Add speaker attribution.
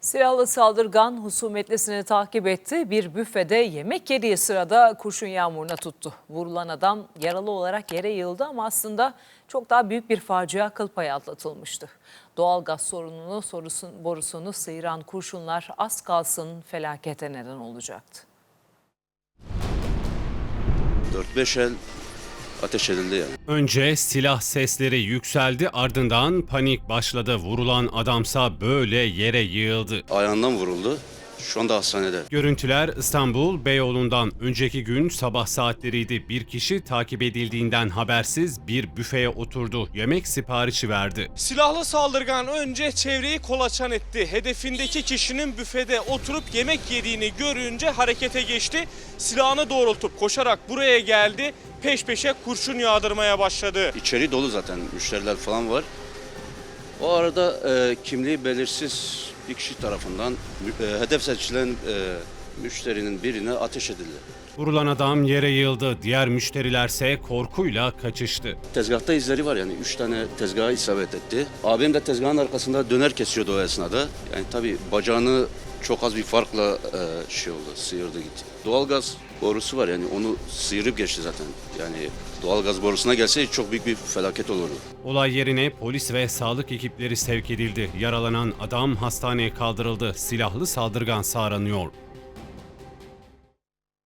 Speaker 1: Silahlı saldırgan husumetlisini takip etti. Bir büfede yemek yediği sırada kurşun yağmuruna tuttu. Vurulan adam yaralı olarak yere yığıldı ama aslında çok daha büyük bir facia kıl payı atlatılmıştı. Doğalgaz sorununu borusunu sıyıran kurşunlar az kalsın felakete neden olacaktı.
Speaker 2: 4-5 el ateş edildi yani.
Speaker 3: Önce silah sesleri yükseldi, ardından panik başladı. Vurulan adamsa böyle yere yığıldı.
Speaker 2: Ayağından vuruldu. Şu anda hastanede.
Speaker 3: Görüntüler İstanbul Beyoğlu'ndan. Önceki gün sabah saatleriydi. Bir kişi takip edildiğinden habersiz bir büfeye oturdu. Yemek siparişi verdi.
Speaker 4: Silahlı saldırgan önce çevreyi kolaçan etti. Hedefindeki kişinin büfede oturup yemek yediğini görünce harekete geçti. Silahını doğrultup koşarak buraya geldi. Peş peşe kurşun yağdırmaya başladı.
Speaker 2: İçeri dolu zaten, müşteriler falan var. O arada kimliği belirsiz bir kişi tarafından hedef seçilen müşterinin birine ateş edildi.
Speaker 3: Vurulan adam yere yığıldı. Diğer müşterilerse korkuyla kaçıştı.
Speaker 2: Tezgahta izleri var yani 3 tane tezgaha isabet etti. Abim de tezgahın arkasında döner kesiyordu o esnada. Yani tabii bacağını çok az bir farkla sıyırdı gitti. Doğalgaz borusu var yani onu sıyırıp geçti zaten. Yani doğalgaz borusuna gelseydi çok büyük bir felaket olurdu.
Speaker 3: Olay yerine polis ve sağlık ekipleri sevk edildi. Yaralanan adam hastaneye kaldırıldı. Silahlı saldırgan aranıyor.